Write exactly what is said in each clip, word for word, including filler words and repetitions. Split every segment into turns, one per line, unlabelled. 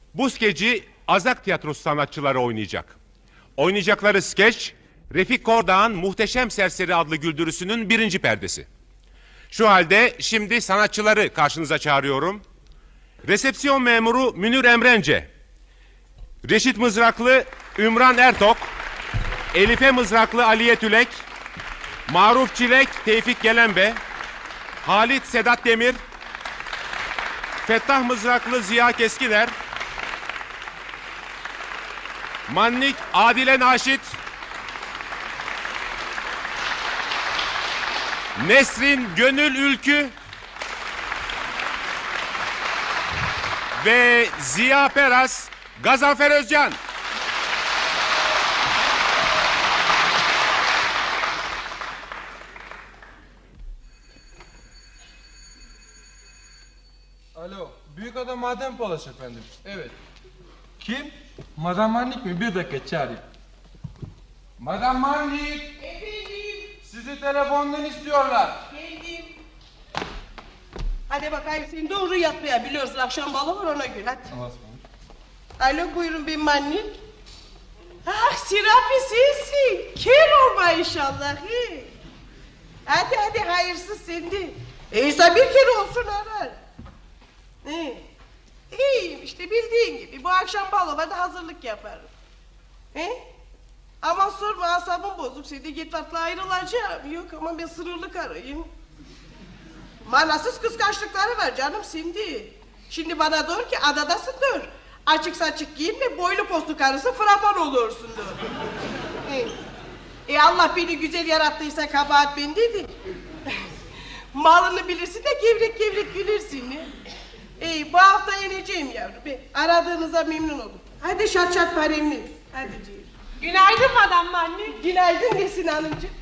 Bu skeci Azak Tiyatrosu sanatçıları oynayacak. Oynayacakları skeç, Refik Kordağ'ın Muhteşem Serseri adlı güldürüsünün birinci perdesi. Şu halde şimdi sanatçıları karşınıza çağırıyorum. Resepsiyon memuru Münir Emrence, Reşit Mızraklı Ümran Ertok, Elife Mızraklı Aliye Tülek, Maruf Çilek Tevfik Gelenbe, Halit Sedat Demir, Fettah Mızraklı Ziya Keskiler, Mannik Adile Naşit, Nesrin Gönül Ülkü ve Ziya Peras Gazanfer Özcan.
Alo, büyük adam Madem Palaş efendim. Evet. Kim? Madam Manlik mi? Bir dakika çağırayım. Madam Manlik!
Efendim,
Sizi telefondan istiyorlar.
geldim. Hadi bakayım sen doğru yatmaya biliyorsun. Akşam balı var ona göre hadi. Alo buyurun ben Mannik. Ah Sirapi sensin. Kör olma inşallah. He. Hadi hadi hayırsız sende. E insan bir kere olsun arar. He. İyiyim işte bildiğin gibi. Bu akşam balovada hazırlık yaparım. He? Aman sorma asabım bozuk. Seni git atla ayrılacağım. Yok ama ben sırrılı karıyım. Manasız kıskançlıkları var canım şimdi. Şimdi bana diyor ki adadasın diyor. Açık saçık giyinme boylu postlu karısı frapan olursun diyor. e, e Allah beni güzel yarattıysa kabahat bendedir. Malını bilirsin de gevrek gevrek gülürsün. E, bu hafta ineceğim yavrum. Ben aradığınıza memnun oldum. Hadi şat şat paremli. Hadi canım.
Günaydın Madam Mannik.
Günaydın Nesin Hanımcığım.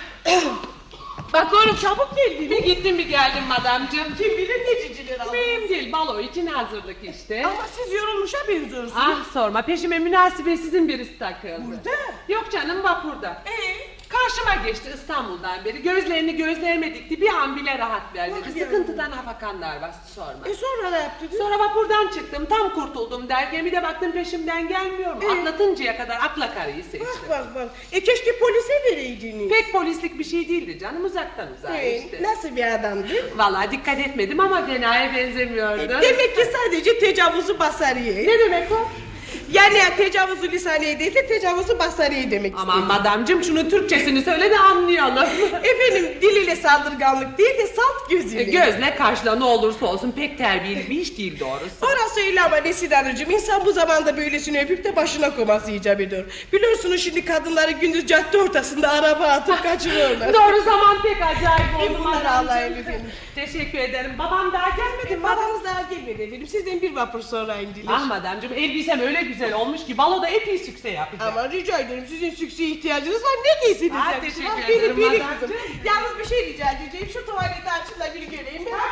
Bak oğlum çabuk geldin.
Bir gittim bir geldim madamcığım.
Kim bilir ne ciciler aldı.
Mühim değil, balo için hazırlık işte.
Ama siz yorulmuşa benziyorsunuz.
Ah sorma, peşime münasebetsizin birisi takıldı.
Burada?
Yok canım vapurda.
Ee?
Karşıma geçti İstanbul'dan beri. Gözlerini gözlerime dikti. Bir an bile rahat
Bak
vermedi.
ya.
Sıkıntıdan afakanlar bastı sorma.
E sonra ne yaptınız?
Sonra vapurdan çıktım. Tam kurtuldum derken bir de baktım peşimden gelmiyor mu?
Ee?
Atlatıncaya kadar akla karıyı seçtim.
Bak bak bak. E keşke polise vereydiniz.
Pek polislik bir şey değildi canım. Uzaktan uzağa
Ee,
işte.
nasıl bir adamdı?
Vallahi dikkat etmedim ama fenaya benzemiyordu.
Demek ki sadece tecavüzü basariye.
Ne demek o?
Yani tecavüzü lisaniye değil de tecavüzü basariye demek
Aman
istedim.
madamcığım şunun Türkçesini söyle de anlayalım.
Efendim dil ile saldırganlık değil de salt gözüyle.
E, Gözle karşıla ne olursa olsun pek terbiyeli bir iş değil doğrusu.
Orası öyle ama Nesin Hanımcığım insan bu zamanda böylesini öpüp de başına koması icap ediyor. Biliyorsunuz şimdi kadınları gündüz cadde ortasında araba atıp kaçırıyorlar.
Doğru zaman pek acayip oldu
bunları
madamcığım.
alayım efendim.
Teşekkür ederim. Babam daha gelmedi mi?
Babanız daha gelmedi efendim. Sizden bir vapur sonra indiler.
Ah madamcığım elbisem öyle güzel olmuş ki baloda epey sükse yapacak.
Ama rica ederim sizin sükseye ihtiyacınız var ne giysiniz?
Ah,
efendim?
teşekkür
Ah,
ederim,
Biri biri
madem.
kızım. Yalnız bir şey rica edeceğim. Şu tuvaleti açın da bir göreyim. Ben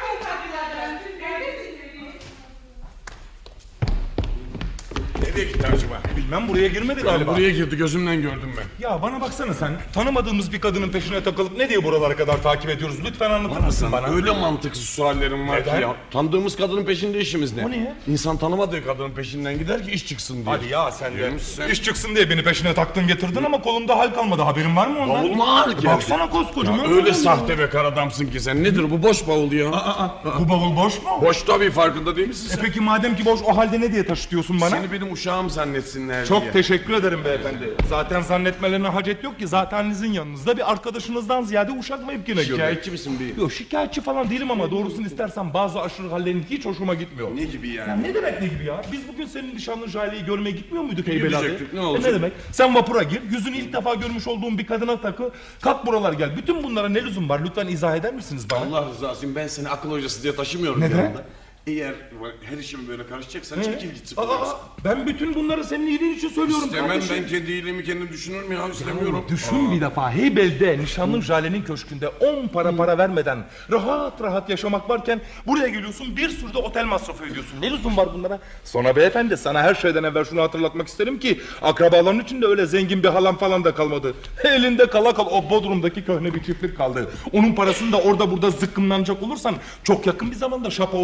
Nereye gitti acaba?
Bilmem buraya girmedi galiba.
Buraya girdi gözümden gördüm ben.
Ya bana baksana sen. Tanımadığımız bir kadının peşine takılıp ne diye buralara kadar takip ediyoruz? Lütfen anlatır mısın bana?
Öyle mantıksız suallerim var
Neden?
ki ya. Tanıdığımız kadının peşinde işimiz ne?
O niye?
İnsan tanımadığı kadının peşinden gider ki iş çıksın diye.
Hadi ya sen de.
Yürümüşsün.
İş çıksın diye beni peşine taktın getirdin ama kolumda hal kalmadı. Haberin var mı ondan?
Bavul mu ağır geldi?
Baksana koskocaman.
Ya öyle
bavul
sahte ve kar adamsın ki sen. Nedir bu boş bavul ya?
Aa, aa, bu bavul boş mu?
Boş tabii farkında değil misin
E
sen?
peki madem ki boş o halde ne diye taşıtıyorsun bana?
Seni benim uşağım zannetsinler
Çok
diye.
teşekkür ederim beyefendi. Zaten zannetmelerine hacet yok ki. Zatenizin yanınızda bir arkadaşınızdan ziyade uşak mevkine göre.
Şikayetçi misin bir?
Yok şikayetçi falan değilim ama doğrusunu istersen bazı aşırı hallerin hiç hoşuma gitmiyor.
Ne gibi
Ya
yani?
ne demek ne gibi ya? Biz bugün senin nişanlın Jale'yi görmeye gitmiyor muyduk Heybeli abi?
Gidecektik, ne
E
olacak?
ne demek? Sen vapura gir, yüzünü ilk defa görmüş olduğun bir kadına takı, kalk buralar gel. Bütün bunlara ne lüzum var? Lütfen izah eder misiniz bana?
Allah rızası için ben seni akıl hocası diye taşımıyorum
Neden?
yanımda. Eğer her işime böyle karışacaksan çekil git sıfırlarsın.
Aa, ben bütün bunları senin iyiliğin için söylüyorum
İstemem
kardeşim.
ben kendi iyiliğimi kendim düşünürüm ya istemiyorum.
Düşün bir defa Heybel'de nişanlın Jale'nin köşkünde on para para vermeden rahat rahat yaşamak varken buraya geliyorsun bir sürü de otel masrafı ödüyorsun. Ne lüzum var bunlara? Sonra beyefendi sana her şeyden evvel şunu hatırlatmak isterim ki akrabaların içinde öyle zengin bir halam falan da kalmadı. Elinde kala kal o Bodrum'daki köhne bir çiftlik kaldı. Onun parasını da orada burada zıkkımlanacak olursan çok yakın bir zamanda şapa oturduğunu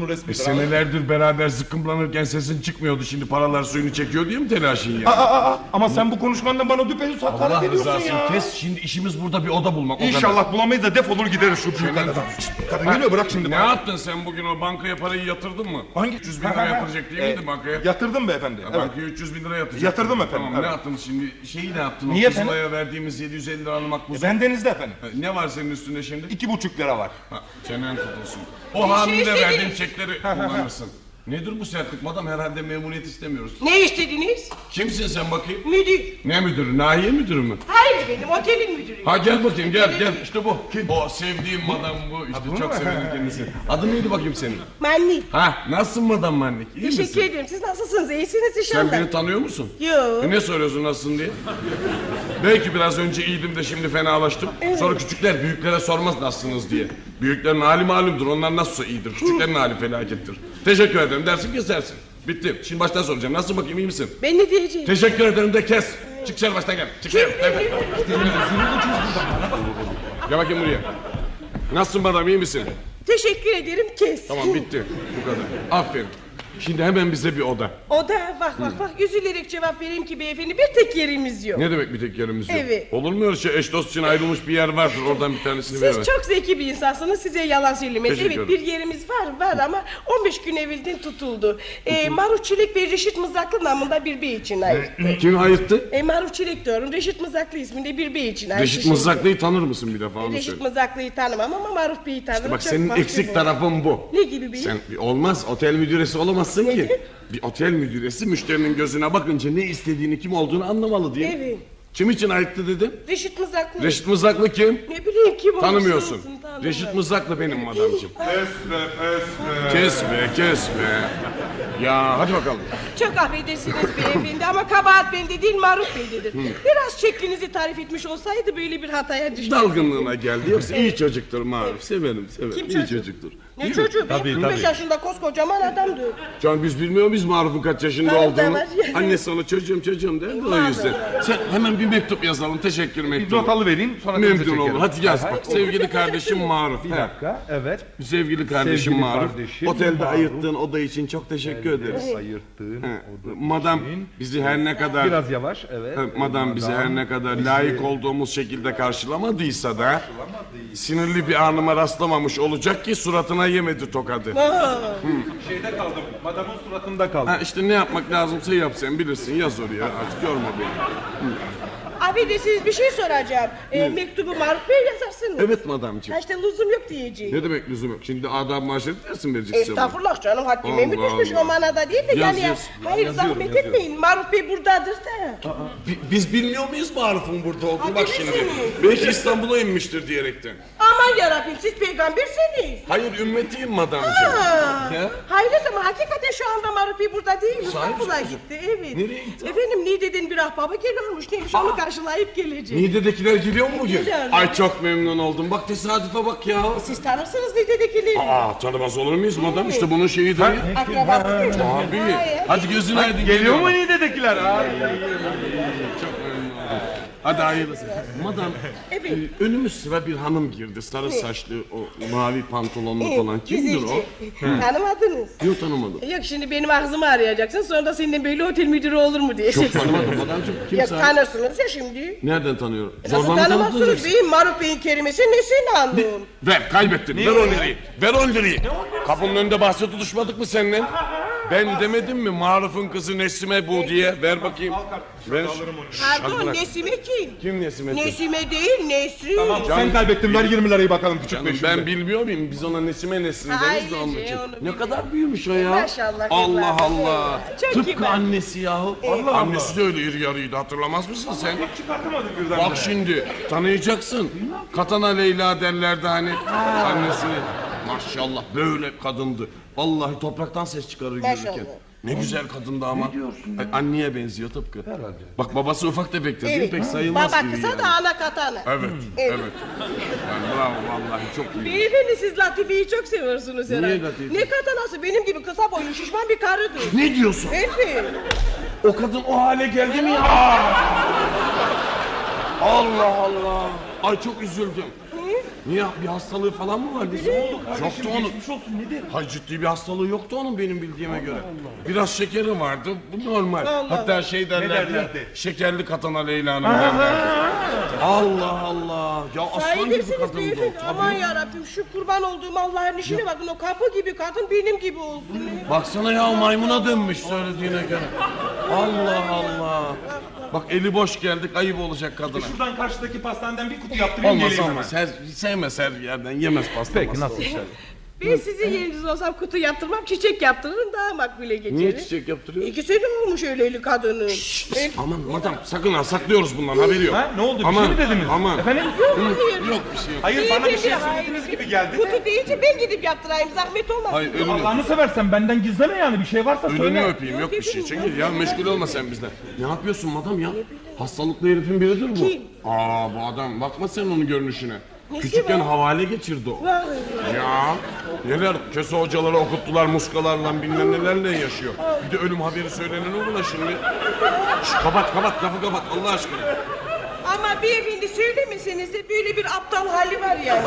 resmidir.
E, senelerdir beraber zıkkımlanırken sesin çıkmıyordu. Şimdi paralar suyunu çekiyor diye mi telaşın ya?
Aa, aa, aa, ama sen bu konuşmandan bana düpedüz hakaret
Allah
ediyorsun
rızası
ya.
kes. Şimdi işimiz burada bir oda bulmak. o kadar.
İnşallah bulamayız da defolur gideriz şu büyük adam. Kadın geliyor, bırak şimdi.
Ne yaptın sen bugün, o bankaya parayı yatırdın mı?
Hangi?
üç yüz bin lira yatıracak değil miydi bankaya?
Yatırdım beyefendi. Evet.
Bankaya üç yüz bin lira yatıracak.
Yatırdım efendim,
Tamam,
evet.
ne yaptın şimdi? Şeyi ne yaptın?
Niye
o Kızılay'a
efendim?
verdiğimiz yedi yüz elli lira makbuzu.
Bendenizde efendim.
Ne var senin üstünde şimdi?
İki buçuk lira var.
Ha, çenen tutulsun. O hamile
istediniz?
verdiğim çekleri kullanırsın. Nedir bu sertlik madam? Herhalde memnuniyet istemiyoruz.
Ne istediniz?
Kimsin sen bakayım?
Müdür.
Ne müdürü? Nahiye müdürü mü?
Hayır benim otelin müdürü.
Ha gel bakayım, gel gel. İşte bu. O sevdiğim madam bu. İşte çok severim kendisini. Adın neydi bakayım senin?
Mannik.
Ha, nasılsın madam Mannik? İyi
Teşekkür
misin?
ederim. Siz nasılsınız? İyisiniz
Sen
inşallah.
beni tanıyor musun?
Yo.
E ne soruyorsun nasılsın diye? Belki biraz önce iyiydim de şimdi fenalaştım. Sonra küçükler büyüklere sormaz nasılsınız diye. Büyüklerin hali malumdur. Onlar nasılsa iyidir. Küçüklerin hali felakettir. Teşekkür ederim dersin, kesersin. Bitti. Şimdi baştan soracağım. Nasılsın bakayım, iyi misin?
Ben ne diyeceğim?
Teşekkür ederim de kes. Çık dışarı, baştan gel. Çık dışarı. Gel, gel. Gel bakayım buraya. Nasılsın madam, iyi misin?
Teşekkür ederim kes.
Tamam, bitti. Bu kadar. Aferin. Şimdi hemen bize bir oda.
O da bak bak bak üzülerek cevap vereyim ki beyefendi bir tek yerimiz yok.
Ne demek bir tek yerimiz yok?
Evet.
Olur mu öyle şey? Eş dost için ayrılmış bir yer vardır. Oradan bir tanesini
Siz
veremez.
çok zeki bir insansınız, size yalan söylemez.
Teşekkür
Evet
ederim.
bir yerimiz var var ama on beş gün evvelden tutuldu. Ee, Maruf Çilek ve Reşit Mızraklı namında bir bey için ayırttı.
Kim ayırttı?
E, Maruf Çilek diyorum, Reşit Mızraklı isminde bir bey için ayırttı.
Reşit Mızraklı'yı tanır mısın bir defa, onu
Reşit
söyle.
Mızraklı'yı tanımam ama Maruf Bey'i tanırım.
Bak
çok
senin
mahcup
eksik
oldum.
tarafın bu.
Ne gibi beyim?
Sen olmaz, otel müdüresi olamazsın ki.
Neden?
Bir otel müdüresi müşterinin gözüne bakınca ne istediğini, kim olduğunu anlamalı diye.
Evet.
Kim için ayıttı dedim?
Reşit Mızraklı.
Reşit Mızraklı kim?
Ne bileyim kim olursa
Tanımıyorsun.
olsun, tanımam.
Reşit Mızraklı benim madamcığım.
Esme, esme.
Kesme, kesme. Ya hadi bakalım.
Çok affedersiniz beyefendi ama kabahat bende değil Maruf Bey'dedir. Biraz şeklinizi tarif etmiş olsaydı böyle bir hataya düşmezdim.
Dalgınlığına geldi. Yoksa iyi çocuktur Maruf. Severim, severim.
Kim
iyi
çocuk?
çocuktur.
Ne çocuğu be?
Tabii,
kırk beş
tabii.
yaşında koskocaman adamdı.
Can biz bilmiyor muyuz Maruf'un kaç yaşında
Tabii,
olduğunu?
tabii.
Annesi ona çocuğum çocuğum derdi o yüzden. Sen hemen bir mektup yazalım. Teşekkür
Bir
mektubu.
not alıvereyim sonra denize
Memnun
çekerim.
oldum. Hadi yaz bak. Sevgili kardeşim Maruf.
Bir
He.
dakika, evet.
Sevgili kardeşim
Sevgili
Maruf.
kardeşim
Otelde
Maruf.
ayırttığın oda için çok teşekkür ederiz.
Ayırttığın
He.
oda
Madam
için.
bizi her ne kadar
Biraz yavaş, evet.
He, Madam bizi her ne kadar layık olduğumuz şekilde karşılamadıysa da sinirli bir anıma rastlamamış olacak ki suratına yemedi tokadı.
Şeyde kaldım. Madamın suratında kaldım.
Ha işte ne yapmak lazımsa yap, sen bilirsin, yaz oraya, artık yorma beni.
Affedersiniz bir şey soracağım. Ee, mektubu Maruf Bey yazarsınız.
Evet madamcığım.
Ha işte lüzum yok diyeceğim.
Ne demek lüzum yok? Şimdi adam maaşını dersin vereceksin.
Estağfurullah canım haddime mi
Allah
düşmüş
Allah.
o manada değil de
Yaz,
yani ya,
yaz.
hayır zahmet etmeyin Maruf Bey buradadır da.
Bi- Biz bilmiyor muyuz Maruf'un burada olduğunu? Bak şimdi.
bilirsiniz.
Belki İstanbul'a inmiştir diyerekten.
Aman yarabbim siz peygambersiniz.
Hayır ümmetiyim madamcığım.
Ha.
Ya?
Hayret ama hakikaten şu anda Maruf Bey burada değil İstanbul'a gitti evet.
Nereye gitti?
Efendim Niğde'den bir ahbabı geliyormuş neymiş onu karşılayıp gelecek.
Niğde'dekiler geliyor mu bugün?
Geliyorlar.
Ay çok memnun oldum. Bak tesadüfe bak ya.
Siz tanırsınız Niğde'dekileri.
Aa tanımaz olur muyuz madam? İşte bunun şeyidir.
Akrabası mı?
Abi.
Hayır.
Hadi gözün aydın.
Geliyor mu Niğde'dekiler? Ay.
Çok memnun oldum. Hadi hayırlısı. Madam,
Evet.
e, önümüz sıra bir hanım girdi. Sarı saçlı, o mavi pantolonlu
Evet,
falan. Kimdir o?
güzelce. Tanımadınız.
Yok tanımadım.
Yok şimdi benim ağzımı arayacaksın sonra da senden böyle otel müdürü olur mu
Çok
diyeceksin.
tanımadım madamcığım. Kim
Yok
sahibi?
tanırsınız ya şimdi.
Nereden tanıyorum?
Nasıl
Zorla mı tanıdınız
tanımazsınız
yoksa?
beyim Maruf Bey'in kelimesi nesini anlıyorum.
Ver kaybettin. Ver on lirayı. Ver on lirayı. Kapının önünde bahse tutuşmadık mı seninle? Ben demedim mi Maruf'un kızı Nesime bu diye? Ver bakayım. Ver. Şşş, hadi
Pardon
bırak.
Nesime kim?
Kim Nesime? kim?
Nesime değil Nesrin.
Tamam sen kaybettin ver yirmi lirayı bakalım küçük
Canım,
beşinde.
ben bilmiyor muyum? Biz ona Nesime Nesrin
Ay,
deriz de onun
şey,
için.
onu
Ne
bilmiyorum.
kadar büyümüş o ya.
Maşallah,
Allah
kızlar.
Allah.
Çok
Tıpkı
kibar.
annesi yahu.
Allah
Annesi de öyle iri yarıydı, hatırlamaz mısın sen?
Çıkartamadık birden.
Bak şimdi tanıyacaksın. Katana Leyla derlerdi hani annesini. Maşallah böyle kadındı. Vallahi topraktan ses çıkarır
Maşallah.
yürürken. Ne güzel kadındı ama. Ne diyorsun ya? Anneye benziyor tıpkı. Herhalde. Bak babası ufak tefektir değil mi?
Evet.
Pek sayılmaz
Baba
gibi
kısa
yani.
da ana katana.
Evet,
Evet.
evet. Yani bravo vallahi çok iyi.
Beyefendi siz Latifi'yi çok seviyorsunuz herhalde.
Latife?
Ne katanası benim gibi kısa boylu şişman bir karıdır.
Ne diyorsun?
Evet.
O kadın o hale geldi mi ya? Allah Allah. Ay çok üzüldüm. Niye bir hastalığı falan mı var? Ne oldu kardeşim? Yoktu onun.
Geçmiş olsun nedir?
Hayır ciddi bir hastalığı yoktu onun benim bildiğime göre. Biraz şekeri vardı. Bu normal. Hatta şey derlerdi.
derlerdi?
Şekerli katana Leyla Hanım derlerdi. Allah Allah. Ya aslan gibi
Sahibirsiniz
kadındı o.
beyefendi. Aman
Tabii.
yarabbim şu kurban olduğum Allah'ın işine bakın. O kapı gibi kadın benim gibi olsun.
Baksana ya maymuna dönmüş söylediğine göre. Allah Allah. Bak eli boş geldik ayıp olacak kadına.
Şuradan karşıdaki pastaneden bir kutu yaptırayım
Olmaz
geleyim
olmaz.
hemen.
Her, sevmez her yerden yemez pasta.
Peki
pasta.
nasıl işler?
Ben sizin yeriniz olsam kutu yaptırmam, çiçek yaptırırım daha makbule geçerim.
Niye çiçek yaptırıyor?
İki sene olmuş öyleli kadının. Ben-
Aman madam sakın ha saklıyoruz bundan haberi yok.
Ha ne oldu bir
Aman,
şey mi dediniz?
Aman.
Efendim?
Hayır.
Yok bir şey yok.
Hayır bana bir şey
Beyefendi,
söylediğiniz
hayır.
gibi geldi de.
Kutu deyince ben gidip yaptırayım, zahmet olmasın.
Hayır ölünü,
Allah'ını seversen benden gizleme yani bir şey varsa
ölünü
söyle.
öpeyim yok bir şey. Çekil ya meşgul olma sen bizden. Ne yapıyorsun madam ya? Hastalıklı herifin biridir bu.
Kim?
Aa bu adam bakma sen onun görünüşüne.
Nesi
Küçükken
var?
havale geçirdi o.
Vay.
Ya neler köse hocaları okuttular muskalarla bilmem nelerle yaşıyor. Bir de ölüm haberi söylenen o buna şimdi. Şş, kapat kapat lafı kapat Allah aşkına.
Ama beyefendi söylemeseniz de böyle bir aptal hali var yani.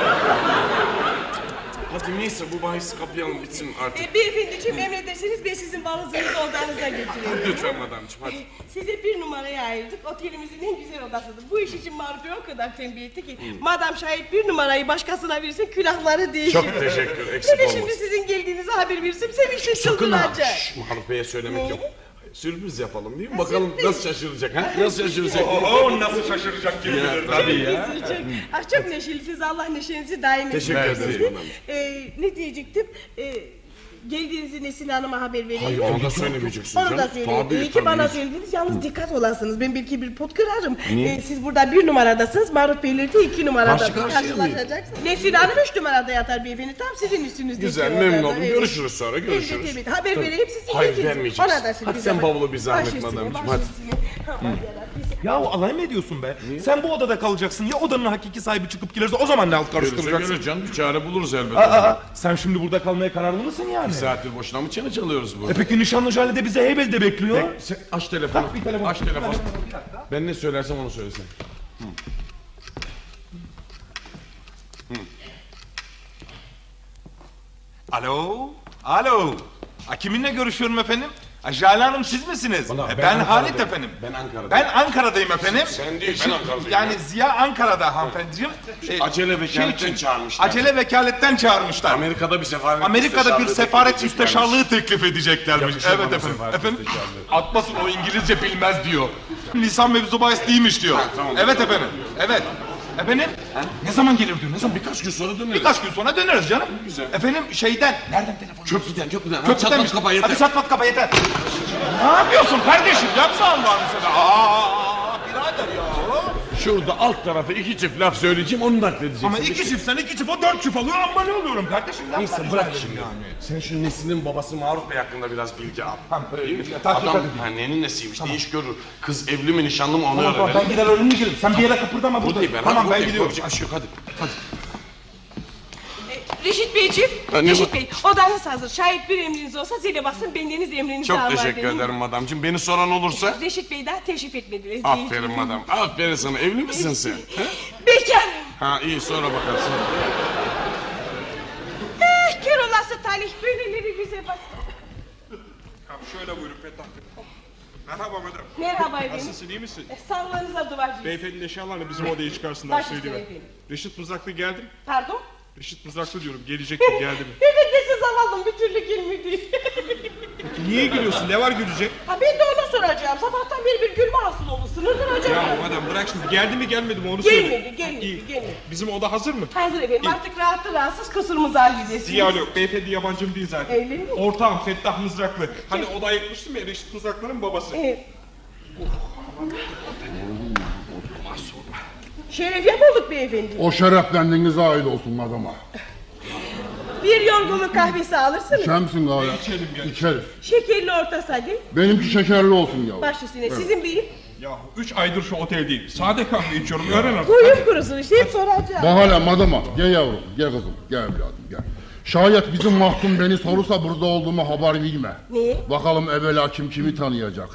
Hadi neyse bu bahisi kapayalım bitsin artık.
e, beyefendiciğim emrederseniz ben sizin balınızınızı odanıza götüreyim.
Lütfen madamcığım hadi.
Size bir numaraya ayırdık. Otelimizin en güzel odasıdır. Bu iş için Maruf Bey o kadar tembih etti ki... Madam şayet bir numarayı başkasına verirse külahları değişir.
Çok teşekkür eksik
Bir de
olmasın.
şimdi sizin geldiğinizi haber verirsem sevinçle
Sakın ha.
çıldıracak.
Şşş, Maruf Bey'e söylemek
Ne?
yok. Sürpriz yapalım değil mi? Bakalım nasıl şaşıracak ha? Nasıl şaşıracak?
Oo nasıl şaşıracak kim bilir tabii ya.
Çok, ah, çok neşelisiniz. Allah neşenizi daim etsin.
Teşekkür ederim.
Ee, ne diyecektim? Ee, geldiğinizi Nesin Hanım'a haber vereyim.
Hayır onu da söylemeyeceksin
Onu
canım.
da söyleyeyim.
Tabii,
İyi ki
tabii.
bana söylediniz. Yalnız dikkat olasınız. Ben belki bir pot kırarım. Ee, siz burada bir numaradasınız. Maruf Beyler de iki numarada.
Karşı karşıya
karşılaşacaksınız. Nesin Hanım üç numarada yatar beyefendi. Tam sizin üstünüzde.
Güzel memnun oldum. Görüşürüz sonra görüşürüz.
Evet, evet. Haber vereyim sizin
Hayır
geldiğinizi.
vermeyeceksin.
Ona da sürpriz
Hadi sen
yapayım.
bavulu bir zahmet
Baş üstüne,
madamcığım,
baş
hadi.
üstüne. Aman yarabbim.
Ya alay mı ediyorsun be? Sen bu odada kalacaksın ya odanın hakiki sahibi çıkıp gelirse o zaman ne alt
Görürse
karıştıracaksın?
göre canım bir çare buluruz elbette.
Aa, aa, sen şimdi burada kalmaya kararlı mısın yani?
Bir saattir boşuna mı çene çalıyoruz
E
burada?
peki nişanlı Jale de bize Heybeli'de bekliyor.
Sen aç telefonu.
bir telefon.
Aç telefonu. Ben ne söylersem onu söylesen.
Alo? Alo? Ha, kiminle görüşüyorum efendim? Ha, Jale Hanım siz misiniz?
Bana-
E,
ben
ben Halit
Ankara'dayım.
efendim.
Ben Ankara'dayım.
Ben Ankara'dayım efendim.
Sen değil,
E,
ben
şimdi-
Ankara'dayım.
Yani Ziya Ankara'da hanımefendiciğim. E,
acele vekaletten
için-
çağırmışlar.
Acele vekaletten çağırmışlar.
Amerika'da bir sefaret
Amerika'da bir
müsteşarlığı
sefaret
teklif edeceklermiş.
müsteşarlığı teklif edeceklermiş.
Yakışır
Evet
bana
efendim.
sefaret
Efendim?
müsteşarlığı.
Atmasın o İngilizce bilmez diyor. Lisan mevzu bahis değilmiş diyor.
tamam.
Evet efendim. Evet. Efendim? Ne zaman gelir diyor? Ne zaman?
Birkaç gün sonra döneriz.
Birkaç gün sonra döneriz canım.
Güzel.
Efendim şeyden. Nereden telefon?
Köprüden köprüden. Hadi
Köprüden mi?
çatlat kapa yeter.
Hadi çatlat kapa yeter. Ne yapıyorsun kardeşim? Yapma Allah'ını sana. Aa, birader ya.
Şurada alt tarafa iki çift laf söyleyeceğim onu nakledeceksin.
Ama iki çift sen iki çift o dört çift alıyor ama ne oluyorum kardeşim? Yapma
Neyse
rica
bırak
ederim
şimdi.
yani.
Sen şu Nesin'in babası Maruf Bey hakkında biraz bilgi al.
Tamam,
Değil mi?
e, tahkik
Adam
edeyim.
ha, nenin nesiymiş ne iş görür. Kız evli mi nişanlı mı onu
Tamam, tamam,
öğrenelim.
ben gider önümü girerim. Sen bir yere kıpırdama burada.
Buradayım ben.
Tamam
hadi,
ben
buradayım.
gidiyorum.
Korkacak bir şey yok hadi. Hadi.
E, Reşit Beyciğim,
Ha, ne
Reşit
bu?
Bey, odanız hazır. Şayet bir emriniz olsa zile basın, bendeniz emrinizi
Çok
alın
teşekkür
dedim.
ederim madamcığım. Beni soran olursa.
Reşit Bey daha teşrif etmediler.
Aferin madam. Aferin sana. Evli misin sen? He?
Bekarım.
Ha iyi sonra bakarsın.
Eh, kör olası talih, böyleleri bize bak.
Şöyle buyurun Fettah Bey. Merhaba madem.
Merhaba efendim.
Nasılsın iyi misin?
Eh, Sağlığınıza duacıyız.
Beyefendinin eşyalarını bizim odaya çıkarsınlar
Baş üstüne
söyleyeyim.
efendim.
Reşit Mızraklı geldi mi?
Pardon?
Reşit Mızraklı diyorum gelecekti geldi mi?
Evet de siz zavallım bir türlü gelmedi.
Niye gülüyorsun? Ne var gülecek?
Ha ben de ona soracağım. Sabahtan beri bir gülme hasıl oldu. Sınırdır acaba.
Ya madem bırak şimdi geldi mi gelmedi mi onu söyle.
Gelmedi, gelmedi,
İyi.
gelmedi.
Bizim oda hazır mı?
Hazır efendim. Artık rahatlı rahatsız kusurumuzu halledesiniz.
Diyalog yok. Beyefendi yabancım değil zaten.
Öyle mi?
Ortağım Fettah Mızraklı. Hani oda ayıkmıştım ya Reşit Mızraklı'nın babası.
Evet. Şeref yapıldık beyefendi.
O şeref kendinize ait olsun adama.
Bir yorgunluk kahvesi alırsınız.
Şemsin gayet.
İçelim gel.
İçeriz.
Şekerli orta sade.
Benimki şekerli olsun ya.
Baş üstüne. Sizin beyim.
Yahu üç aydır şu oteldeyim. Sade kahve içiyorum öğren artık.
Boyum kurusun işte hep soracağım.
Bak hala madama. Gel yavrum. Gel kızım. Gel evladım gel. Şayet bizim mahkum beni sorursa burada olduğumu haber verme.
Niye?
Bakalım evvela kim kimi tanıyacak.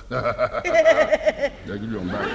Ne gülüyorum ben?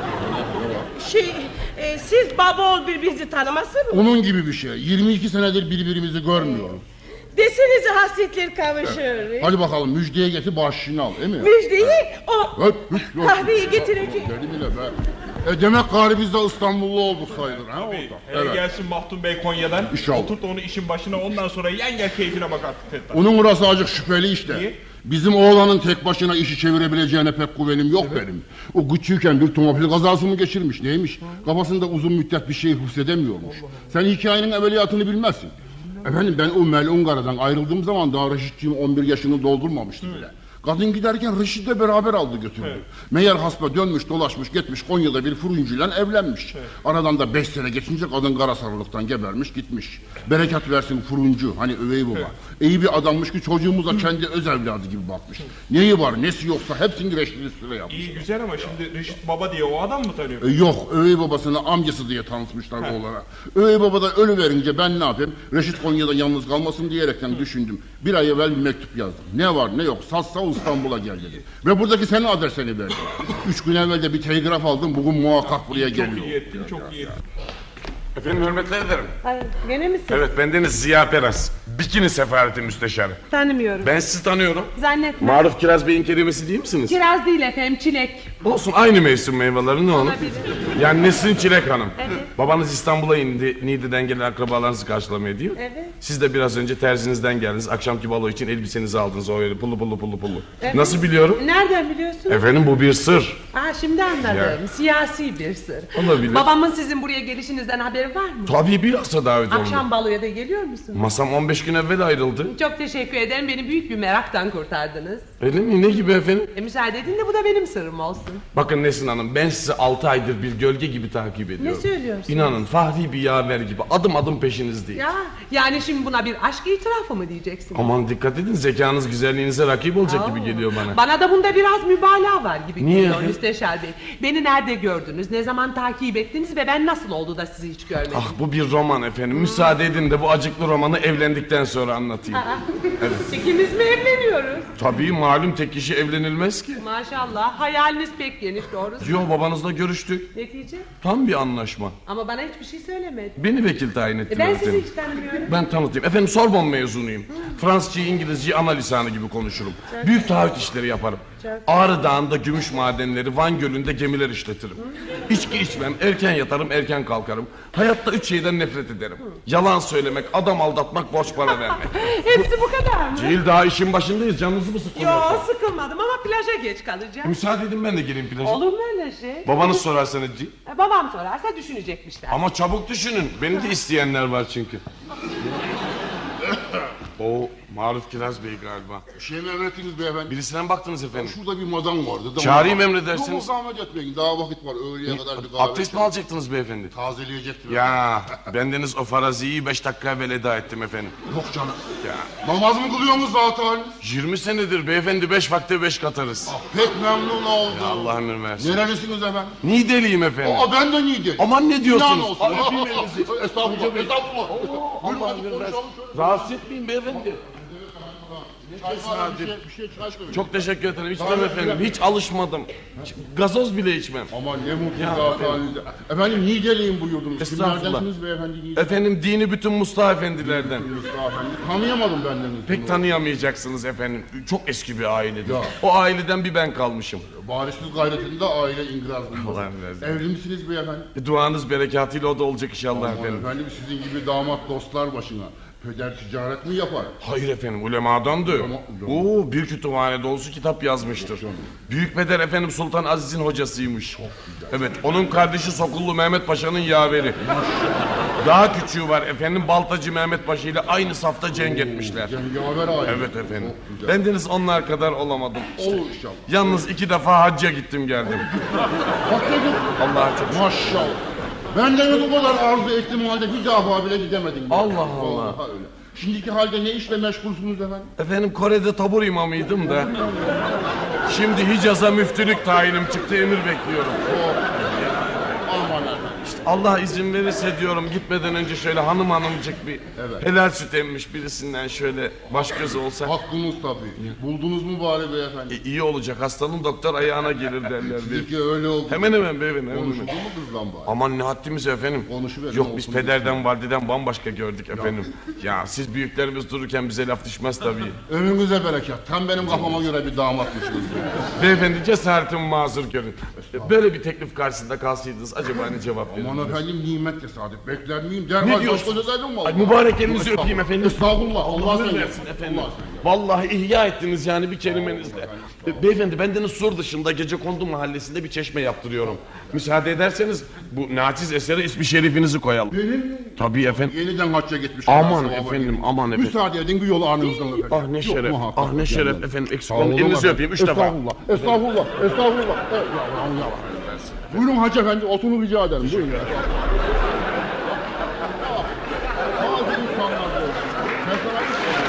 Şey, e, siz baba oğul birbirinizi tanımasın mı?
Onun gibi bir şey. yirmi iki senedir birbirimizi görmüyoruz.
Desenize hasretler kavuşur.
Hadi bakalım müjdeye getir başını al, değil mi?
Müjdeyi o
Öp, üç, dört.
kahveyi getirecek.
Deli bile be. E demek gari biz de İstanbullu olduk sayılır ha orada.
Hele
Evet.
gelsin Mahdum Bey Konya'dan.
İnşallah.
Oturt onu işin başına, ondan sonra yen gel keyfine bak artık Fettah.
Onun burası acık şüpheli işte.
Niye?
Bizim oğlanın tek başına işi çevirebileceğine pek güvenim yok benim. O küçükken bir otomobil kazası mı geçirmiş neymiş? Kafasında uzun müddet bir şey hissedemiyormuş. Sen hikayenin evveliyatını bilmezsin. Efendim ben o melun karadan ayrıldığım zaman daha Reşitciğim on bir yaşını doldurmamıştı bile. Kadın giderken Reşit'le beraber aldı götürdü.
Evet.
Meğer hasba dönmüş dolaşmış gitmiş Konya'da bir fırıncıyla evlenmiş.
Evet.
Aradan da beş sene geçince kadın kara sarılıktan gebermiş fırıncı. Bereket versin fırıncı hani övey baba.
Evet.
İyi bir adammış ki çocuğumuza kendi öz evladı gibi bakmış. Neyi var nesi yoksa hepsini Reşit'in üstüne yapmış.
İyi güzel ama şimdi Reşit Baba diye o adam mı tanıyor?
E, yok övey babasını amcası diye tanıtmışlar oğlana. Övey baba da ölü verince ben ne yapayım? Reşit Konya'da yalnız kalmasın diyerekten düşündüm. Bir ay evvel bir mektup yazdım. Ne var ne yok satsa İstanbul'a gel dedi. Ve buradaki senin adresini verdi. Üç gün evvel de bir telgraf aldım. Bugün muhakkak buraya
Çok
geliyor.
iyi ettin, çok iyi ettin.
Efendim hürmetler ederim.
Ay, gene misin?
Evet bendeniz Ziya Peras. Bikini sefareti müsteşarı.
Tanımıyorum.
Ben sizi tanıyorum.
Zannetme.
Maruf Kiraz Bey'in kelimesi değil misiniz?
Kiraz değil efendim, çilek.
Olsun aynı mevsim meyveleri ne onun?
Olabilir.
Yani Nesrin Çilek Hanım.
Evet.
Babanız İstanbul'a indi. Niğde'den gelen akrabalarınızı karşılamaya değil mi?
Evet.
Siz de biraz önce terzinizden geldiniz. Akşamki balo için elbisenizi aldınız. O öyle pullu pullu pullu pullu.
Evet.
Nasıl biliyorum?
Nereden biliyorsun?
Efendim bu bir sır.
Aa, şimdi anladım.
Ya.
Siyasi bir sır.
Olabilir.
Babamın sizin buraya gelişinizden haberi var mı?
Tabii bilhassa davet oldu.
Akşam baloya da geliyor musun?
Masam on beş gün evvel ayrıldı.
Çok teşekkür ederim. Beni büyük bir meraktan kurtardınız.
Öyle mi? Ne gibi efendim?
E, müsaade edin de bu da benim sırrım olsun.
Bakın Nesrin Hanım ben sizi altı aydır bir gölge gibi takip ediyorum.
Ne söylüyorsun?
İnanın Fahri bir yaver gibi adım adım peşinizdeyim.
Ya yani şimdi buna bir aşk itirafı mı diyeceksin?
Aman dikkat edin zekanız güzelliğinize rakip olacak gibi
Oo.
geliyor bana.
Bana da bunda biraz mübalağa var gibi
Niye
geliyor
efendim?
Müsteşar Bey. Beni nerede gördünüz, ne zaman takip ettiniz ve ben nasıl oldu da sizi hiç görmedim?
Ah bu bir roman efendim. Müsaade edin de bu acıklı romanı evlendikten sonra anlatayım.
Aa, İkimiz mi evleniyoruz?
Tabii malum tek kişi evlenilmez ki.
Maşallah hayaliniz pek geniş doğrusu.
Yo babanızla görüştük.
Netice?
Tam bir anlaşma.
Ama bana hiçbir şey söylemedi.
Beni vekil tayin
E
ettiler
ben
efendim.
sizi hiç tanımıyorum.
Ben tanıtayım. Efendim Sorbon mezunuyum. Fransızcayı, İngilizceyi ana lisanı gibi konuşurum. Büyük taahhüt işleri yaparım. Ağrı Dağı'nda gümüş madenleri, Van Gölü'nde gemiler işletirim. İçki içmem, erken yatarım, erken kalkarım. Hayatta üç şeyden nefret ederim. Yalan söylemek, adam aldatmak, borç para vermek.
Hepsi bu kadar mı?
Değil daha işin başındayız. Canınızı mı sıkılıyorsunuz?
Yo sıkılmadım ama plaja geç kalacağım.
Müsaade edin ben de gireyim plaja.
Olur mu öyle şey?
Babanız sorarsanız Ci.
E, babam sorarsa düşünecekmişler.
Ama çabuk düşünün. Beni de isteyenler var çünkü. O Maruf Kiraz Bey galiba.
Bir şey mi emrettiniz beyefendi?
Birisine mi baktınız efendim?
Şurada bir madam vardı. Da
Çağırayım
madam-
emredersiniz.
Yok zahmet etmeyin daha vakit var öğleye kadar bir kahve.
Abdest mi alacaktınız beyefendi?
Tazeleyecektim.
Ya bendeniz o faraziyi beş dakika evvel eda ettim efendim.
Yok canım.
Ya
Namaz mı kılıyorsunuz zaten?
yirmi senedir beyefendi beş vakte beş katarız.
Pek memnun oldum.
Allah ömür versin.
Nerelisiniz efendim?
Niğdeliyim efendim.
Aa ben de Niğde.
Aman ne diyorsunuz?
İnan olsun.
Aa, öpeyim elinizi.
Estağfurullah. Estağfurullah. Buyurun
Allah
hadi
ömür
konuşalım
versin.
şöyle.
Rahatsız etmeyin beyefendi.
Çay var, bir şey, bir şey çay söyle.
Çok teşekkür ederim. İçmem efendim. Hiç alışmadım. Hiç- Gazoz bile içmem.
Aman ne mutlu zaten. Efendim Niğdeliyim buyurdunuz.
Estağfurullah.
Kimlerdensiniz beyefendi Niğde?
Efendim dini bütün Mustafa efendilerden.
Mustafa efendi. Tanıyamadım benden.
Pek tanıyamayacaksınız efendim. Çok eski bir ailedir.
Ya.
O aileden bir ben kalmışım.
Barışsız gayretinde aile ingraz bulundu.
Allah versin.
Evli misiniz beyefendi?
E, Duanız berekatıyla o da olacak inşallah
Aman
efendim.
efendim sizin gibi damat dostlar başına. Peder ticaret mi yapar?
Hayır efendim ulemadandı.
Ulema-
Oo bir kütüphane dolusu kitap yazmıştır. Büyük Peder efendim Sultan Aziz'in hocasıymış. Evet onun kardeşi Sokullu Mehmet Paşa'nın yaveri. Daha küçüğü var efendim Baltacı Mehmet Paşa ile aynı safta cenk etmişler.
Cengaver aile.
Evet efendim.
Çok güzel.
Bendeniz onlar kadar olamadım.
Olur inşallah.
Yalnız iki defa hacca gittim geldim.
Hakikaten.
Allah'a çok şükür.
Maşallah. Ben de bu kadar arzu ettiğim halde bir defa bile gidemedim. ben.
Allah Allah.
Vallahi öyle. Şimdiki halde ne işle meşgulsünüz efendim?
Efendim Kore'de tabur imamıydım da. Şimdi Hicaz'a müftülük tayinim çıktı emir bekliyorum.
Aman efendim.
İşte Allah izin verirse diyorum gitmeden önce şöyle hanım hanımcık bir
Evet.
helal süt emmiş birisinden şöyle baş göz olsa.
Hakkınız tabii. Buldunuz mu bari beyefendi?
E, iyi olacak, hastanın doktor ayağına gelir derler.
Bizimki öyle oldu.
Hemen hemen beyefendi. hemen
Konuşuldu
hemen.
mu kızla bari?
Aman ne haddimiz efendim.
Konuşuverin,
Yok
olsun
biz
biz.
pederden valideden bambaşka gördük efendim. Ya siz büyüklerimiz dururken bize laf düşmez tabii.
Önünüze bereket. Tam benim kafama göre bir damatmışsınız.
Beyefendi cesaretimi mazur görün. Böyle bir teklif karşısında kalsaydınız acaba ne cevap verirdiniz?
Aman efendim nimet tesadüf. Bekler miyim? Derhal
Ne
baş
diyorsun?
koyacaktım
Ay,
valla.
mübarek elinizi öpeyim efendim.
Estağfurullah. Allah
Ömür
sen
versin efendim.
Allah sen.
Vallahi ihya ettiniz yani bir kelimenizle. Be- Beyefendi bendeniz Sur dışında Gecekondu mahallesinde bir çeşme yaptırıyorum. Müsaade ederseniz bu naçiz esere ismi şerifinizi koyalım.
Benim mi?
Tabii efendim.
Yeniden hacca gitmiş.
Aman
Sevaba
efendim,
girmiş.
aman efendim.
Müsaade edin bir yolu alnınızdan öperim.
Ah ne
Yok,
şeref,
muhakkak
ah ne şeref
gelmem.
efendim. Eksik
Sağ
olun,
olun
elinizi
efendim.
öpeyim üç defa.
Estağfurullah, estağfurullah, estağfurullah. E, ya, ya, ya. Buyurun hacı efendi, oturun rica ederim. Buyurun ya. Bazı insanlar böyle. Ben sana bir şey-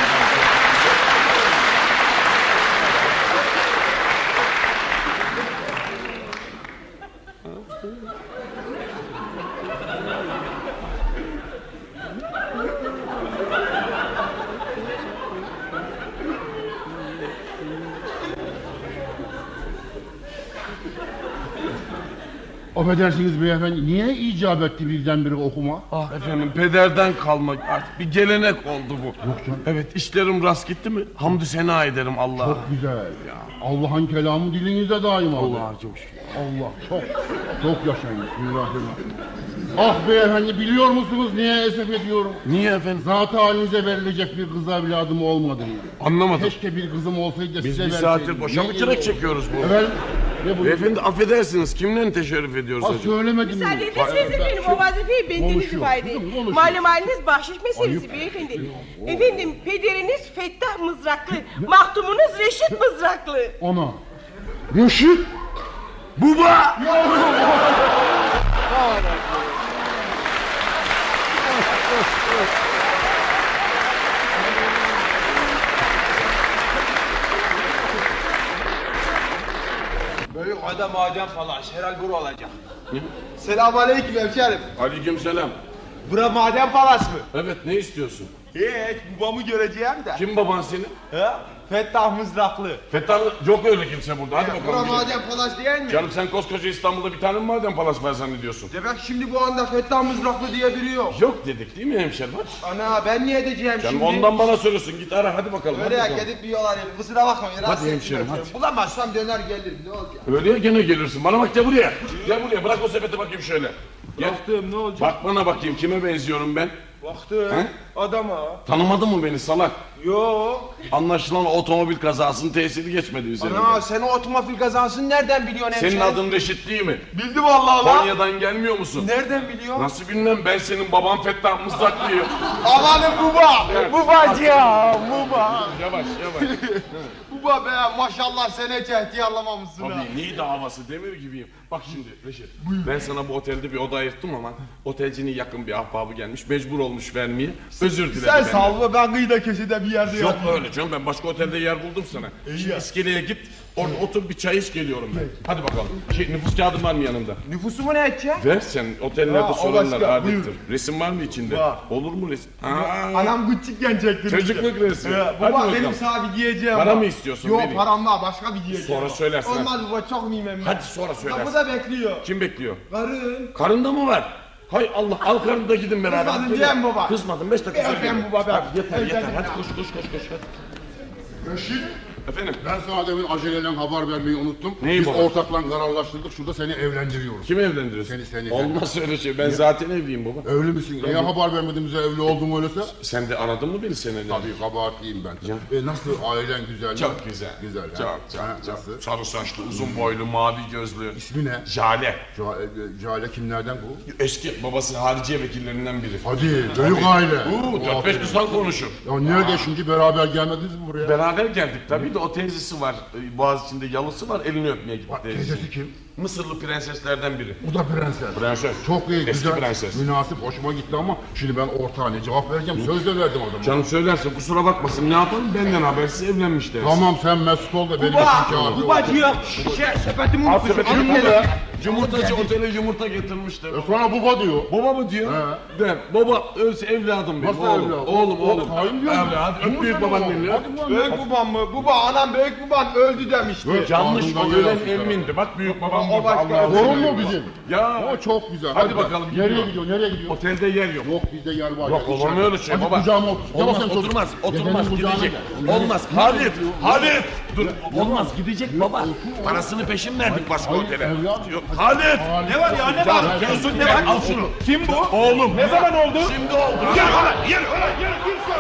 Affedersiniz beyefendi, niye icap etti birdenbire okuma?
Ah efendim pederden kalmak artık bir gelenek oldu bu. Yok
canım.
Evet işlerim rast gitti mi hamdü sena ederim Allah'a.
Çok güzel. Allah'ın kelamı dilinizde daima.
Allah'a çok şükür.
Allah çok çok yaşayın. Bismillahirrahmanirrahim. Ah beyefendi biliyor musunuz niye esef ediyorum?
Niye efendim?
Zat halinize verilecek bir kız evladım olmadı.
Anlamadım.
Keşke bir kızım olsaydı da
Biz
size
bir
verseydim.
saattir boşa mı
Ne
kürek
iyi
çekiyoruz bu?
olur. Efendim? Ne bu?
Beyefendi affedersiniz kimle teşerrüf ediyoruz
Ha
acaba?
söylemedim mi?
Müsaade ederseniz efendim o vazifeyi bendeniz
Konuşuyor,
ifade
kızım,
edin.
konuşuyor.
Malum haliniz bahşiş meselesi beyefendi. Efendim pederiniz Fettah Mızraklı, mahtumunuz Reşit Mızraklı.
Ana. Reşit.
Baba!
Büyük adam maden falan. Herhal bura olacak. Selamünaleyküm hemşerim.
Aleykümselam.
Bura maden palas mı?
Evet ne istiyorsun?
Hiç babamı göreceğim de.
Kim baban senin?
He? Fettah Mızraklı.
Fethullah yok öyle kimse burada hadi
Bura
bakalım.
maden palas değil mi?
Canım sen koskoca İstanbul'da bir tane mi maden palas var zannediyorsun?
Demek şimdi bu anda Fettah Mızraklı diye biri yok.
Yok dedik değil mi hemşerim? Hadi.
Ana ben niye edeceğim
Canım
şimdi?
ondan bana soruyorsun git ara hadi bakalım.
Öyle ya
hadi bakalım.
gidip bir yol arayayım. Kusura bakmayın. rahatsız ettim
hemşerim,
hemşerim.
hadi.
Bulamazsam döner gelirim. Ne olacak?
Öyle ya gene gelirsin. Bana bak gel buraya. Gel buraya bırak o sepeti bakayım şöyle. Gel.
Baktım ne olacak?
Bak bana bakayım kime benziyorum ben?
Baktım.
He?
Adama.
Tanımadın mı beni salak?
Yok.
Anlaşılan otomobil kazasının tesiri geçmedi üzerinde.
Ana sen o otomobil kazansın nereden biliyorsun hemşerim?
Senin adın Reşit değil mi?
Bildim vallahi lan.
Konya'dan gelmiyor musun?
Nereden biliyorsun?
Nasıl bilmem ben senin baban Fettah Mızraklıyım.
Amanın baba. Babacığım baba.
Yavaş yavaş.
Baba be maşallah sen hiç ihtiyarlamamışsın ha.
Tabii niye davası demir gibiyim. Bak şimdi Reşit ben sana bu otelde bir oda ayırttım ama otelcinin yakın bir ahbabı gelmiş mecbur olmuş vermeye. Özür dilerim.
Sen
benden.
sal be ben kıyıda köşede bir yerde
Yok
yatayım.
öyle canım ben başka otelde yer buldum sana. Şimdi
ya.
iskeleye git orada otur bir çay iç geliyorum ben. Hadi bakalım. Şey, nüfus kağıdın var mı yanında?
Nüfusumu ne edeceksin?
Ver sen otellerde
Ha, o
sorarlar
başka,
adettir.
buyur.
Resim var mı içinde?
Var.
Olur mu resim? Aa,
Anam küçükken çektirmiş.
çocukluk resmi.
Ya,
Hadi
baba
bakalım.
benim sana bir giyeceğim
Para
var.
mı istiyorsun?
Yok
Vereyim.
param var başka bir giyeceğim
Sonra
var.
söylersin, ha.
Olmaz baba çok miyim ben?
Hadi sonra söylersin.
Kapıda bekliyor.
Kim bekliyor?
Karın.
Karında mı var? Hay Allah al karını da gidin beraber.
Kızmadın
Hadi.
Cem baba.
Kızmadım beş dakika
Bir
sonra
öpeyim
gelirim.
baba ben.
Hadi yeter yeter
Öpeyim
hadi
ya.
koş koş koş koş hadi.
Reşit.
Efendim
Ben sana demin aceleyle haber vermeyi unuttum.
Neyi
Biz
baba?
ortakla kararlaştırdık. Şurada seni evlendiriyoruz.
kimi evlendiriyorsun?
Seni, seni.
Olmaz öyle şey ben zaten evliyim baba.
Evli misin? Niye haber vermedin bize evli oldum öyleyse?
Sen de aradın mı beni seneler?
Tabii kabahatliyim ben. E, nasıl ailen güzel mi?
Çok güzel.
Güzel.
Çok
ha?
çok
Ha,
çok.
Nasıl?
Sarı saçlı, uzun boylu, mavi gözlü.
İsmi ne?
Jale.
Ca- e, Cale kimlerden bu?
Eski babası hariciye vekillerinden biri.
Hadi büyük aile.
Uuu dört beş lisan konuşur.
Ya nerede şimdi beraber gelmediniz mi buraya?
Beraber geldik tabii de o teyzesi var. e, Boğaziçi'nde yalısı var elini öpmeye gitti teyzesi.
Teyzesi kim?
Mısırlı prenseslerden biri.
Bu da prenses.
Prenses.
Çok iyi,
Eski
güzel,
prenses.
münasip, hoşuma gitti ama şimdi ben ortağına cevap vereceğim. Söz de verdim adama.
Canım söylerse kusura bakmasın ne yapalım benden habersiz evlenmiş dersin.
Tamam sen mesut ol da benim için
Baba.
kâfi ol.
Babacığım. Şey sepetimi
Al
unutmuşum.
sepetini
Alayım
koy.
nereye?
Yumurtacı otele yumurta getirmişler.
E sana baba diyor.
Baba mı diyor?
He.
De, baba ölse evladım benim.
Nasıl
oğlum.
evladım?
Oğlum
O-
oğlum.
Hain diyor mu?
Evladım öp büyük babaanneni.
Hadi bu
Büyük babam mı? Baba anam büyük babam öldü demişti.
Yanlış
Ağzından
o ölen
yalan çıkar.
emmindi. Bak büyük babam
O
burada.
başka-
Allah'ım.
Torun mu bizim?
Ya.
O çok güzel.
Hadi bakalım,
Nereye
gidiyor.
gidiyor? Nereye gidiyor?
Otelde yer yok.
Yok bizde yer var.
Yok,
ya,
olur mu
içeride.
öyle şey
Hadi
baba?
kucağıma otur. Gel
Olmaz,
bakayım çocuk.
oturmaz,
Dedenin
oturmaz,
kucağına
gidecek.
gel.
Olmaz, Halit, Halit! Dur, olmaz, gidecek baba. Parasını peşin verdik başka
Hayır,
otele.
evladım.
Yok, Halit!
Ne var ya ne var?
Gel, gel, al şunu.
Kim bu?
Oğlum.
Ne zaman oldu?
Şimdi oldu. Gel ulan, gel ulan, gel.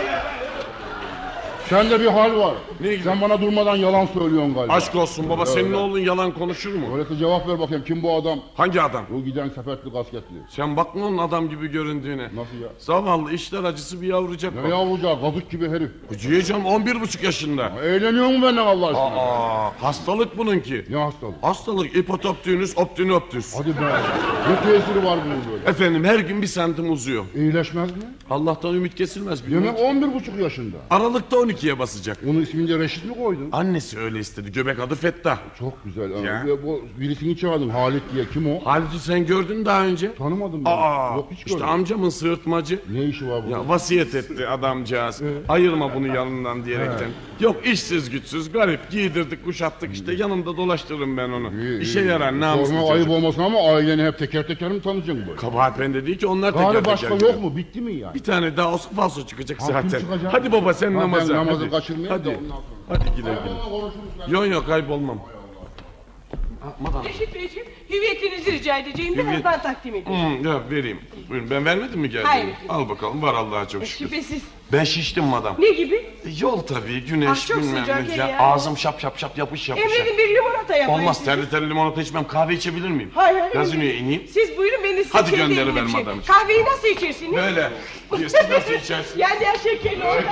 Sende bir hal var.
Ne gibi?
Sen bana durmadan yalan söylüyorsun galiba.
Aşk olsun baba, senin
Öyle.
oğlun yalan konuşur mu?
Öyleyse cevap ver bakayım. Kim bu adam?
Hangi adam?
Bu giden sefertli kasketli.
Sen bakma onun adam gibi göründüğüne.
Nasıl ya?
Zavallı işler acısı bir yavrucak
Ne
bak.
yavrucağı? Kazık gibi herif.
Diyeceğim on bir buçuk yaşında.
Eğleniyor mu benden Allah aşkına?
Aa, hastalık bununki.
Ne hastalık?
Hastalık ipotoptünüs optinoptüs.
Hadi be. Ne tesiri var bunun böyle?
Efendim her gün bir santim uzuyor.
İyileşmez mi?
Allah'tan ümit kesilmez. bilmem
Demek
ki.
on bir buçuk yaşında.
Aralıkta on ikiye basacak.
Onun ismini de Reşit mi koydun?
Annesi öyle istedi. Göbek adı Fettah.
Çok güzel. Ha.
Ya.
Ve bu birisini çağırdın Halit diye. Kim o?
Halid'i sen gördün daha önce.
Tanımadım ben.
Aa,
Yok hiç
işte
görmedim.
amcamın sığırtmacı.
Ne işi var burada?
Ya vasiyet etti adamcağız. Ayırma bunu yanından diyerekten. Yok işsiz güçsüz garip giydirdik kuşattık işte yanında dolaştırırım ben onu.
İyi,
İşe
iyi.
yarar namuslu
Sorma ayıp
çocuk.
olmasın ama aileni hep teker teker mi tanıyacaksın böyle?
Kabahat bende değil ki onlar teker
Gari
teker
başka
geliyor.
yok mu? Bitti mi yani?
Bir tane daha olsa falso çıkacak
Ha, kim
zaten.
çıkacak?
Hadi baba sen
Ha, ben
namaza.
namazı
hadi.
kaçırmayayım da
Hadi.
ondan sonra.
Hadi güle güle.
Konuşuruz ben.
Yok yok kaybolmam.
Reşit Beyciğim, hüviyetinizi rica edeceğim.
Hüviyet-
Birazdan takdim edeyim.
Hmm, ya vereyim. Buyurun ben vermedim mi geldiğini?
Hayır.
Al bakalım var Allah'a çok şükür.
Şüphesiz.
Ben şiştim madam.
Ne gibi?
Yol tabii güneş
Ah, çok
bilmem
sıcak
ne.
ya.
Ya. Ağzım şap şap şap yapış yapış.
Emredin bir limonata yapayım.
Olmaz
size.
terli terli limonata içmem. Kahve içebilir miyim?
Hayır hayır.
Gazinoya ineyim.
Siz buyurun ben de size
Hadi
kendi
gönderiver
elimle bir şey-
madam.
Kahveyi nasıl içersiniz?
Böyle. Siz nasıl içersin?
Yani her şekerli orada.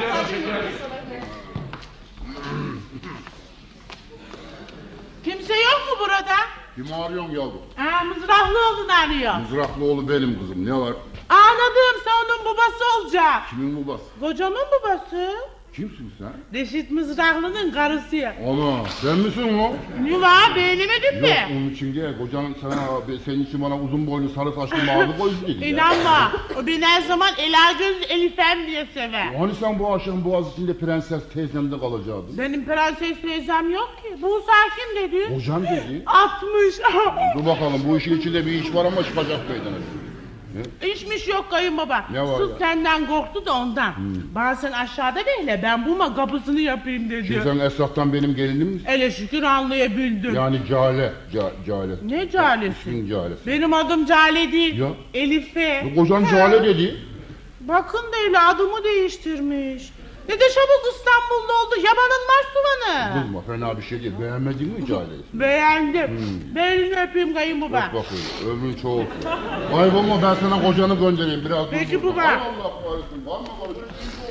Kimse yok mu burada?
Kimi arıyorsun yavrum?
Aa, Mızrahlıoğlu'nu arıyor.
Mızraklıoğlu benim kızım. Ne var?
Anladım, sen onun babası olacak.
Kimin babası?
Kocamın babası.
Kimsin sen?
Reşit Mızrahlı'nın karısı.
Ana sen misin o?
Ne var, beğenemedin
Yok
mi?
onun için değil. Kocan sana, senin için bana uzun boylu sarı saçlı mavi boylu dedi ya.
İnanma, o beni her zaman Ela Göz Elifem diye sever.
Hani sen bu akşam boğaz içinde prenses teyzemde kalacaktın?
Benim prenses teyzem yok ki. Bu sakin dedi.
Kocan dedi.
Atmış.
Dur bakalım bu işin içinde bir iş var ama çıkacak meydana.
İşmiş yok kayınbaba.
Ne var
Sus
ya?
senden korktu da ondan. Bana sen aşağıda bekle, ben bulma kapısını yapayım dedi.
Şimdi sen Esra'dan benim gelinim misin?
Ele şükür anlayabildim.
Yani Cale. Ca, cale.
Ne calesi?
İsmin Cale'si.
Benim adım Cale değil.
Ya.
Elife.
Bu Kocan Cale dedi.
Bakın da öyle adımı değiştirmiş. Ne de çabuk İstanbul'da oldu. Yabanın Marsuvanı.
Kızma fena bir şey değil. Beğenmedin mi Cale'yi?
Beğendim. Ben elini öpeyim kayınbaba.
Bak bakayım ömrün çok olsun. Kaybolma ben sana kocanı göndereyim biraz.
Peki
dur.
baba.
Hay Allah korusun. Var mı korusun?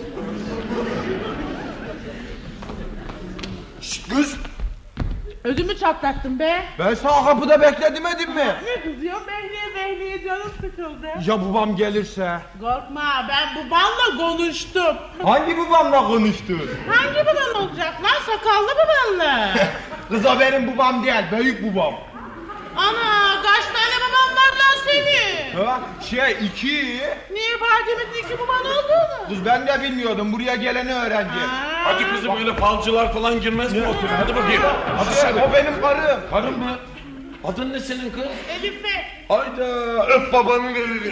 Kız
Ödümü çatlattın be.
ben sana kapıda bekle demedim mi?
Ne kızıyor? Behliye behliye canım sıkıldı.
Ya babam gelirse?
Korkma, ben babanla konuştum.
Hangi babamla konuştun?
Hangi baban olacak lan? Sakallı babanla.
Kız o benim babam değil, büyük babam.
Ana, kaç tane baban var lan senin?
Ha? Şey iki.
Niye Fatih'in iki baban olduğunu?
Kız ben de bilmiyordum, buraya geleni öğrendim.
Hadi kızım öyle falcılar falan girmez mi otele? Hadi bakayım. Hadi
Şey,
sen.
o benim karım.
Karın mı? Adın ne senin kız?
Elife.
Hayda öp babanın elini.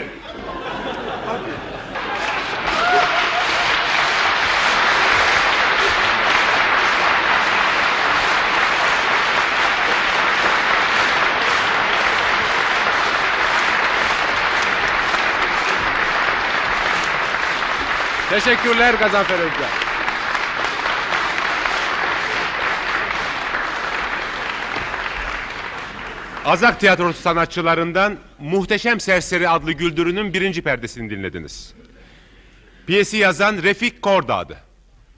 Teşekkürler Gazanfer Özcan. Azak Tiyatrosu sanatçılarından Muhteşem Serseri adlı güldürünün birinci perdesini dinlediniz. Piyesi yazan Refik Kordağ'dı.